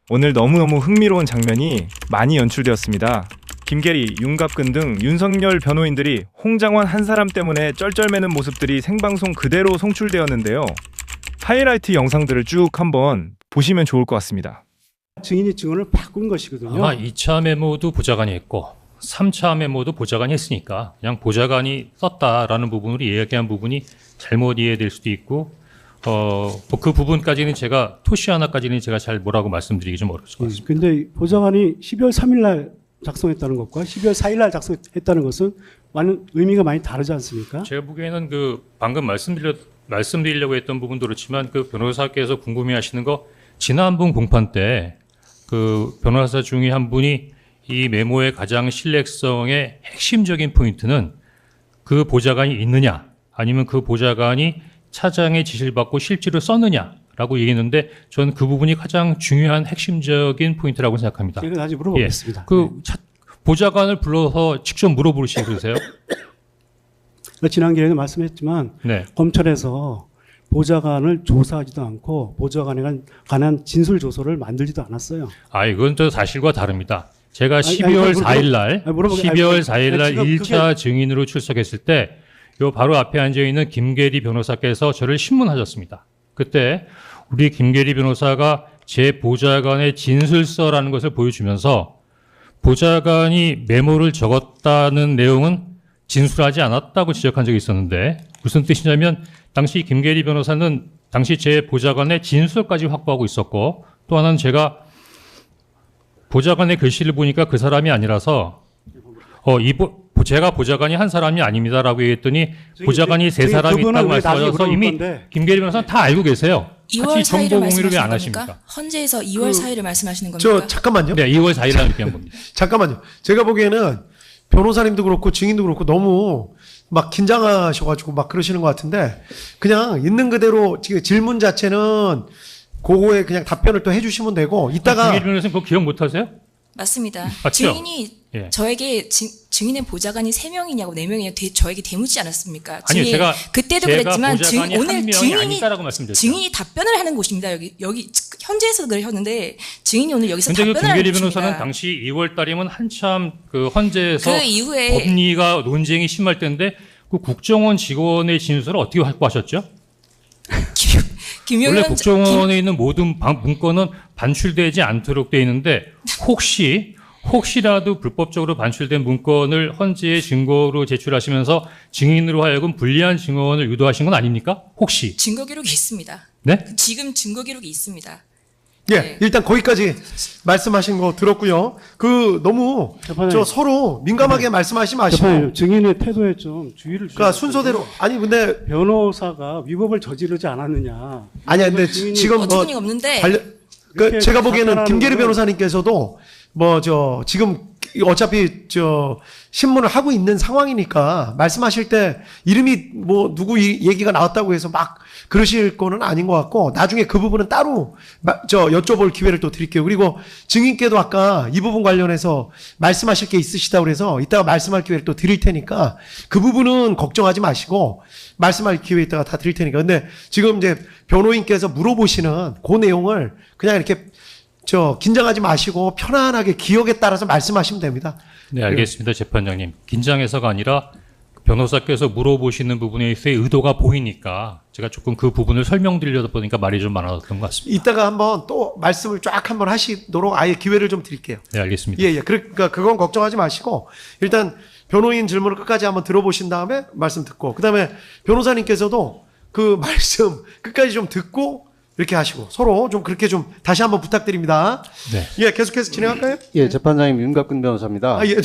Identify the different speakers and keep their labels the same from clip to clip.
Speaker 1: 오늘 너무너무 흥미로운 장면이 많이 연출되었습니다. 김계리, 윤갑근 등 윤석열 변호인들이 홍장원 한 사람 때문에 쩔쩔매는 모습들이 생방송 그대로 송출되었는데요. 하이라이트 영상들을 쭉 한번 보시면 좋을 것 같습니다.
Speaker 2: 증인이 증언을 바꾼 것이거든요.
Speaker 3: 아마 2차 메모도 보좌관이 했고 3차 메모도 보좌관이 했으니까 그냥 보좌관이 썼다라는 부분으로 이야기한 부분이 잘못 이해될 수도 있고 그 부분까지는 제가 토시 하나까지는 제가 잘 뭐라고 말씀드리기 좀 어려울 것 같습니다.
Speaker 2: 근데 보좌관이 12월 3일 날 작성했다는 것과 12월 4일 날 작성했다는 것은 많은 의미가 많이 다르지 않습니까?
Speaker 3: 제가 보기에는 방금 말씀드리려고 했던 부분도 그렇지만 그 변호사께서 궁금해하시는 거 지난번 공판 때 그 변호사 중에 한 분이 이 메모의 가장 신뢰성의 핵심적인 포인트는 그 보좌관이 있느냐 아니면 그 보좌관이 차장의 지시를 받고 실제로 썼느냐라고 얘기했는데 저는 그 부분이 가장 중요한 핵심적인 포인트라고 생각합니다.
Speaker 2: 제가 다시 물어보겠습니다.
Speaker 3: 보좌관을 불러서 직접 물어보시고 그러세요?
Speaker 2: 지난 기회에도 말씀했지만
Speaker 3: 네.
Speaker 2: 검찰에서 보좌관을 조사하지도 않고 보좌관에 관한 진술 조서를 만들지도 않았어요.
Speaker 3: 이건 또 사실과 다릅니다. 제가 12월 4일 날 1차 증인으로 출석했을 때 요 바로 앞에 앉아 있는 김계리 변호사께서 저를 신문하셨습니다. 그때 우리 김계리 변호사가 제 보좌관의 진술서라는 것을 보여주면서 보좌관이 메모를 적었다는 내용은 진술하지 않았다고 지적한 적이 있었는데 무슨 뜻이냐면 당시 김계리 변호사는 당시 제 보좌관의 진술까지 확보하고 있었고 또 하나는 제가 보좌관의 글씨를 보니까 그 사람이 아니라서 제가 보좌관이 한 사람이 아닙니다라고 얘기했더니 보좌관이 세 사람이 있다고 말씀하셔서 이미 김계리 변호사는 다 알고 계세요.
Speaker 4: 2월 4일을
Speaker 3: 공유를 왜 안
Speaker 4: 말씀하시는
Speaker 3: 하십니까?
Speaker 4: 겁니까? 헌재에서 2월 4일을 말씀하시는 겁니까?
Speaker 5: 잠깐만요.
Speaker 3: 네, 2월 4일 날 얘기한 겁니다.
Speaker 5: 잠깐만요. 제가 보기에는 변호사님도 그렇고 증인도 그렇고 너무 막 긴장하셔가지고 막 그러시는 것 같은데 그냥 있는 그대로 지금 질문 자체는 그거에 그냥 답변을 또 해주시면 되고 이따가
Speaker 3: 김계리 변호사님 그거 기억 못 하세요?
Speaker 4: 맞습니다.
Speaker 3: 맞죠?
Speaker 4: 증인이
Speaker 3: 예.
Speaker 4: 저에게 증인의 보좌관이 3명이냐고 4명이냐고 저에게 대묻지 않았습니까?
Speaker 3: 아니요, 제가
Speaker 4: 그때도
Speaker 3: 제가
Speaker 4: 그랬지만
Speaker 3: 보좌관이 한
Speaker 4: 오늘
Speaker 3: 명이 아니다라고 말씀드렸죠.
Speaker 4: 증인이 답변을 하는 곳입니다. 여기 현재에서 그러셨는데 증인이 오늘 여기서
Speaker 3: 근데
Speaker 4: 답변을 하는
Speaker 3: 김계리
Speaker 4: 곳입니다.
Speaker 3: 변호사는 당시 2월 달이면 한참 그 헌재에서
Speaker 4: 그 이후에
Speaker 3: 법리가 논쟁이 심할 때인데 그 국정원 직원의 진술을 어떻게 확보하셨죠? 원래 국정원에 있는 모든 문건은 반출되지 않도록 되어 있는데 혹시라도 불법적으로 반출된 문건을 헌재에 증거로 제출하시면서 증인으로 하여금 불리한 증언을 유도하신 건 아닙니까? 혹시?
Speaker 4: 증거 기록이 있습니다.
Speaker 3: 네?
Speaker 4: 지금 증거 기록이 있습니다.
Speaker 5: 예,
Speaker 4: 네.
Speaker 5: 일단 거기까지 말씀하신 거 들었고요. 너무 서로 민감하게 말씀하지 마시고
Speaker 2: 증인의 태도에 좀 주의를 주셔야
Speaker 5: 그러니까 순서대로 근데
Speaker 2: 변호사가 위법을 저지르지 않았느냐.
Speaker 5: 아니야 근데 지금
Speaker 4: 어처구니가 없는데
Speaker 5: 제가 보기에는 김계리 변호사님께서도 지금 어차피 신문을 하고 있는 상황이니까 말씀하실 때 이름이 누구 얘기가 나왔다고 해서 막 그러실 거는 아닌 것 같고 나중에 그 부분은 따로 여쭤볼 기회를 또 드릴게요. 그리고 증인께도 아까 이 부분 관련해서 말씀하실 게 있으시다고 그래서 이따가 말씀할 기회를 또 드릴 테니까 그 부분은 걱정하지 마시고 말씀할 기회 이따가 다 드릴 테니까. 근데 지금 이제 변호인께서 물어보시는 그 내용을 그냥 이렇게 긴장하지 마시고 편안하게 기억에 따라서 말씀하시면 됩니다.
Speaker 3: 네, 알겠습니다. 재판장님. 긴장해서가 아니라 변호사께서 물어보시는 부분에 있어의 의도가 보이니까 제가 조금 그 부분을 설명드리려다 보니까 말이 좀 많았던 것 같습니다.
Speaker 5: 이따가 한번 또 말씀을 쫙 한번 하시도록 아예 기회를 좀 드릴게요.
Speaker 3: 네, 알겠습니다.
Speaker 5: 예. 그러니까 그건 걱정하지 마시고 일단 변호인 질문을 끝까지 한번 들어보신 다음에 말씀 듣고 그다음에 변호사님께서도 그 말씀 끝까지 좀 듣고 이렇게 하시고 서로 좀 그렇게 좀 다시 한번 부탁드립니다.
Speaker 3: 네.
Speaker 5: 예, 계속해서 진행할까요?
Speaker 6: 예, 재판장님 윤갑근 변호사입니다.
Speaker 5: 예.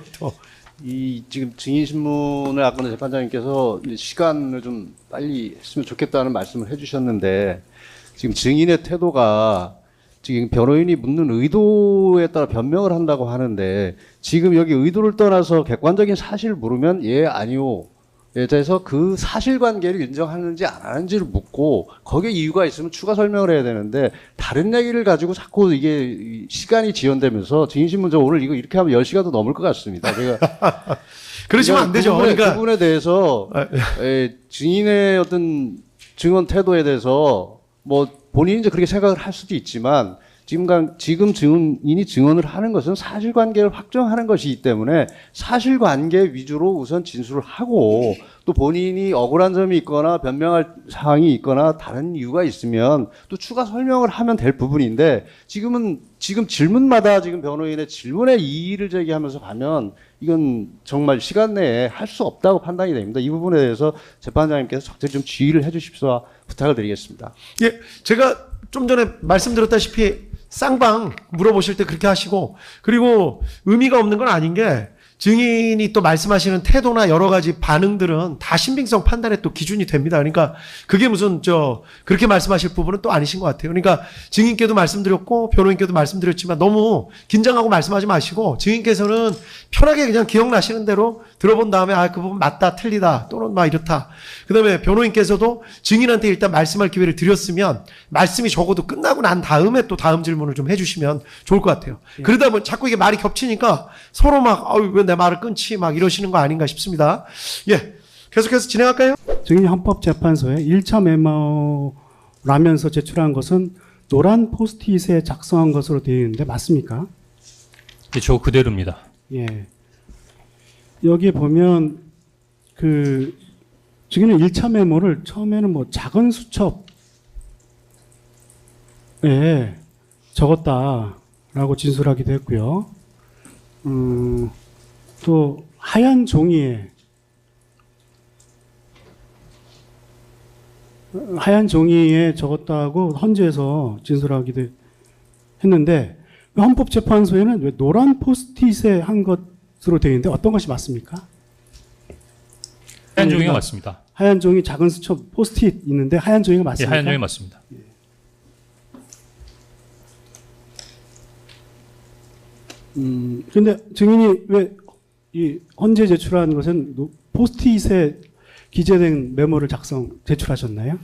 Speaker 6: 지금 증인 신문을 아까 재판장님께서 시간을 좀 빨리 했으면 좋겠다는 말씀을 해주셨는데 지금 증인의 태도가 지금 변호인이 묻는 의도에 따라 변명을 한다고 하는데 지금 여기 의도를 떠나서 객관적인 사실을 물으면 예, 아니요. 에 대해서 그 사실관계를 인정하는지 안 하는지를 묻고 거기에 이유가 있으면 추가 설명을 해야 되는데 다른 얘기를 가지고 자꾸 이게 시간이 지연되면서 증인신문 저 오늘 이렇게 하면 10시간도 넘을 것 같습니다. 제가
Speaker 5: 그러시면 안 되죠.
Speaker 6: 그 부분에 대해서 증인의 어떤 증언 태도에 대해서 본인이 이제 그렇게 생각을 할 수도 있지만 지금 증인이 증언을 하는 것은 사실관계를 확정하는 것이기 때문에 사실관계 위주로 우선 진술을 하고 또 본인이 억울한 점이 있거나 변명할 사항이 있거나 다른 이유가 있으면 또 추가 설명을 하면 될 부분인데 지금 질문마다 지금 변호인의 질문에 이의를 제기하면서 가면 이건 정말 시간 내에 할 수 없다고 판단이 됩니다. 이 부분에 대해서 재판장님께서 적절히 좀 지휘를 해 주십시오 부탁을 드리겠습니다.
Speaker 5: 예, 제가 좀 전에 말씀드렸다시피 쌍방 물어보실 때 그렇게 하시고, 그리고 의미가 없는 건 아닌 게 증인이 또 말씀하시는 태도나 여러 가지 반응들은 다 신빙성 판단의 또 기준이 됩니다. 그러니까 그게 무슨 그렇게 말씀하실 부분은 또 아니신 것 같아요. 그러니까 증인께도 말씀드렸고 변호인께도 말씀드렸지만 너무 긴장하고 말씀하지 마시고 증인께서는 편하게 그냥 기억나시는 대로 들어본 다음에 그 부분 맞다 틀리다 또는 막 이렇다. 그다음에 변호인께서도 증인한테 일단 말씀할 기회를 드렸으면 말씀이 적어도 끝나고 난 다음에 또 다음 질문을 좀 해주시면 좋을 것 같아요. 그러다 보면 자꾸 이게 말이 겹치니까 서로 막 왜 내 말을 끊지 막 이러시는 거 아닌가 싶습니다. 예, 계속해서 진행할까요?
Speaker 2: 증인이 헌법재판소에 1차 메모라면서 제출한 것은 노란 포스트잇에 작성한 것으로 되어 있는데 맞습니까?
Speaker 3: 예, 저 그대로입니다.
Speaker 2: 예. 여기에 보면 증인은 1차 메모를 처음에는 뭐 작은 수첩에 적었다라고 진술하기도 했고요. 또 하얀 종이에 적었다고 헌재에서 진술하기도 했는데 헌법재판소에는 왜 노란 포스트잇에 한 것으로 되어 있는데 어떤 것이 맞습니까?
Speaker 3: 하얀 종이가 맞습니다.
Speaker 2: 하얀 종이 작은 수첩 포스트잇 있는데 하얀 종이가
Speaker 3: 예,
Speaker 2: 맞습니까?
Speaker 3: 하얀 종이 맞습니다.
Speaker 2: 근데 증인이 왜 이 헌재 제출한 것은 포스트잇에 기재된 메모를 제출하셨나요?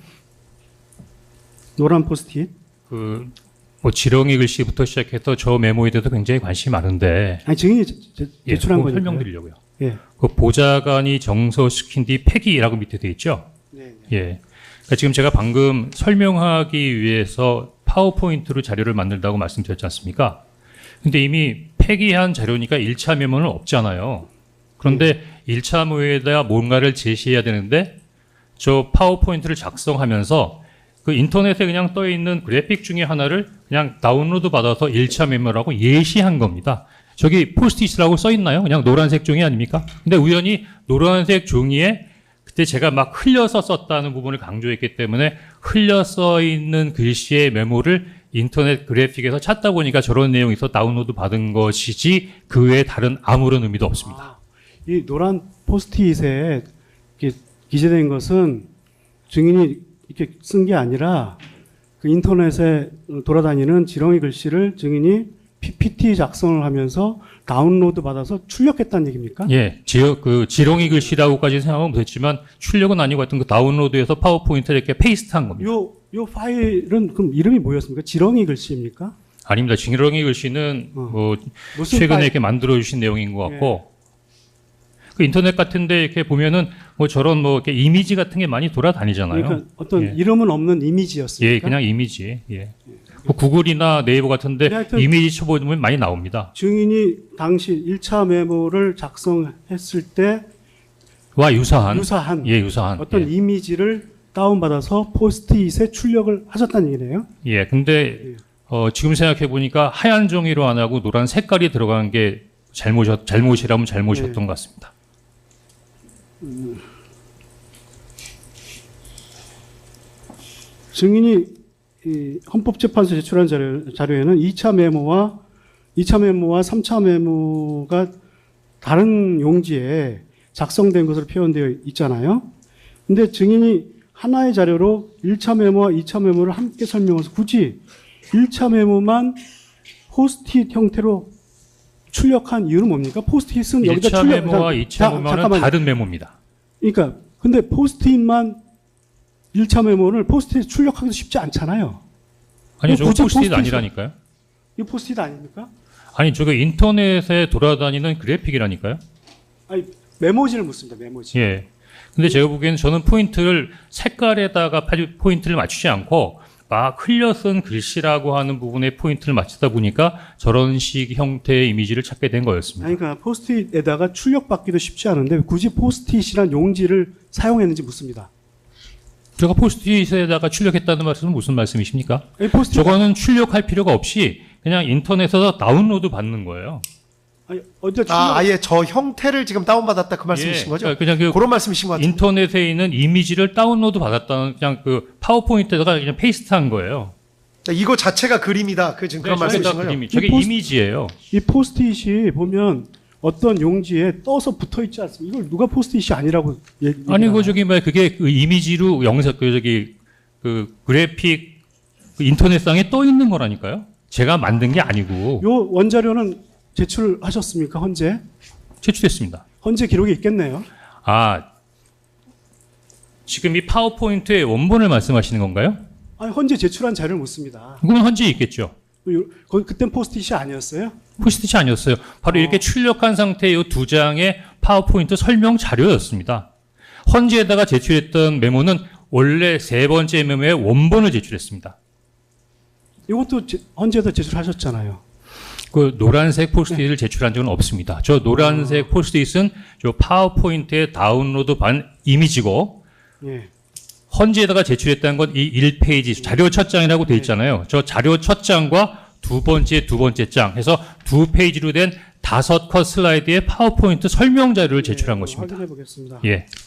Speaker 2: 노란 포스트잇?
Speaker 3: 뭐 지렁이 글씨부터 시작해서 저 메모에 대해서 굉장히 관심이 많은데.
Speaker 2: 아니 증인이 제출한 거니까요.
Speaker 3: 설명드리려고요.
Speaker 2: 예.
Speaker 3: 그 보좌관이 정서시킨 뒤 폐기라고 밑에 돼 있죠.
Speaker 2: 네.
Speaker 3: 예. 그러니까 지금 제가 방금 설명하기 위해서 파워포인트로 자료를 만들다고 말씀드렸지 않습니까? 근데 이미 폐기한 자료니까 1차 메모는 없잖아요. 그런데 1차 메모에다 뭔가를 제시해야 되는데 저 파워포인트를 작성하면서 그 인터넷에 그냥 떠 있는 그래픽 중에 하나를 그냥 다운로드 받아서 1차 메모라고 예시한 겁니다. 저기 포스트잇이라고 써 있나요? 그냥 노란색 종이 아닙니까? 근데 우연히 노란색 종이에 그때 제가 막 흘려서 썼다는 부분을 강조했기 때문에 흘려 써 있는 글씨의 메모를 인터넷 그래픽에서 찾다 보니까 저런 내용이 있어 다운로드 받은 것이지 그 외에 다른 아무런 의미도 없습니다.
Speaker 2: 이 노란 포스트잇에 이렇게 기재된 것은 증인이 이렇게 쓴 게 아니라 그 인터넷에 돌아다니는 지렁이 글씨를 증인이 PPT 작성을 하면서 다운로드 받아서 출력했다는 얘기입니까?
Speaker 3: 예, 지렁이 글씨라고까지 생각하면 못했지만 출력은 아니고 하여튼 그 다운로드해서 파워포인트를 이렇게 페이스트한 겁니다.
Speaker 2: 요 파일은 그럼 이름이 뭐였습니까? 지렁이 글씨입니까?
Speaker 3: 아닙니다. 지렁이 글씨는 뭐 최근에 이렇게 만들어 주신 내용인 것 같고 그 인터넷 같은데 이렇게 보면은 뭐 저런 뭐 이렇게 이미지 같은 게 많이 돌아다니잖아요.
Speaker 2: 그러니까 어떤 이름은 없는 이미지였습니까?
Speaker 3: 예, 그냥 이미지. 예. 뭐 구글이나 네이버 같은데 이미지 쳐보면 많이 나옵니다.
Speaker 2: 증인이 당시 1차 메모를 작성했을 때
Speaker 3: 와 유사한
Speaker 2: 어떤 이미지를 다운받아서 포스트잇에 출력을 하셨다는 얘기네요.
Speaker 3: 예, 근데 지금 생각해 보니까 하얀 종이로 안 하고 노란 색깔이 들어간 게 잘못이라면 잘못이었던 것 같습니다.
Speaker 2: 증인이 이 헌법재판소 제출한 자료에는 2차 메모와 3차 메모가 다른 용지에 작성된 것으로 표현되어 있잖아요. 근데 증인이 하나의 자료로 1차 메모와 2차 메모를 함께 설명해서 굳이 1차 메모만 포스트잇 형태로 출력한 이유는 뭡니까? 포스트잇은 여기다
Speaker 3: 1차 메모와 2차 메모는 다른 메모입니다.
Speaker 2: 그러니까 근데 포스트잇만 1차 메모를 포스트잇 출력하기도 쉽지 않잖아요.
Speaker 3: 아니, 저거 포스트잇 아니라니까요.
Speaker 2: 이거 포스트잇 아닙니까?
Speaker 3: 아니, 저거 인터넷에 돌아다니는 그래픽이라니까요.
Speaker 2: 아니, 메모지를 묻습니다. 메모지.
Speaker 3: 예. 근데 제가 보기에는 저는 포인트를 색깔에다가 포인트를 맞추지 않고 막 흘려 쓴 글씨라고 하는 부분에 포인트를 맞추다 보니까 저런 식 형태의 이미지를 찾게 된 거였습니다.
Speaker 2: 아니, 그러니까 포스트잇에다가 출력받기도 쉽지 않은데 굳이 포스트잇이란 용지를 사용했는지 묻습니다.
Speaker 3: 제가 포스트잇에다가 출력했다는 말씀은 무슨 말씀이십니까?
Speaker 2: 아니, 포스트잇
Speaker 3: 저거는 출력할 필요가 없이 그냥 인터넷에서 다운로드 받는 거예요.
Speaker 2: 아니, 어디다 출력?
Speaker 5: 아예 저 형태를 지금 다운받았다 그 말씀이신 거죠?
Speaker 3: 그냥 그
Speaker 5: 그런 말씀이신 것 같아요.
Speaker 3: 인터넷에 있는 이미지를 다운로드 받았다는 그냥 그 파워포인트에다가 그냥 페이스트한 거예요.
Speaker 5: 이거 자체가 그림이다. 그 지금 그런
Speaker 3: 저게 다
Speaker 5: 말씀이신 거죠?
Speaker 3: 그림이, 저게
Speaker 2: 이 포스트-
Speaker 3: 이미지예요.
Speaker 2: 이 포스트잇이 보면 어떤 용지에 떠서 붙어 있지 않습니까? 이걸 누가 포스트잇이 아니라고
Speaker 3: 아니 그 저기 뭐 그게 그 이미지로 영상 그 저기 그 그래픽 그 인터넷상에 떠 있는 거라니까요. 제가 만든 게 아니고
Speaker 2: 요 원자료는 제출하셨습니까? 헌재?
Speaker 3: 제출했습니다.
Speaker 2: 헌재 기록에 있겠네요.
Speaker 3: 아 지금 이 파워포인트의 원본을 말씀하시는 건가요?
Speaker 2: 아니, 헌재 제출한 자료를 묻습니다.
Speaker 3: 그건 헌재에 있겠죠.
Speaker 2: 그땐 포스트잇이 아니었어요?
Speaker 3: 포스트잇이 아니었어요. 바로 이렇게 출력한 상태의 이 두 장의 파워포인트 설명 자료였습니다. 헌재에다가 제출했던 메모는 원래 세 번째 메모의 원본을 제출했습니다.
Speaker 2: 이것도 헌재에다 제출하셨잖아요.
Speaker 3: 그 노란색 포스트잇을 제출한 적은 없습니다. 저 노란색 포스트잇은 저 파워포인트의 다운로드 반 이미지고
Speaker 2: 예.
Speaker 3: 헌재에다가 제출했다는 건 이 1페이지 자료 첫 장이라고 돼 있잖아요. 저 자료 첫 장과 두 번째 장 해서 두 페이지로 된 5컷 슬라이드의 파워포인트 설명 자료를 제출한 것입니다.
Speaker 2: 확인해 보겠습니다.
Speaker 3: 예.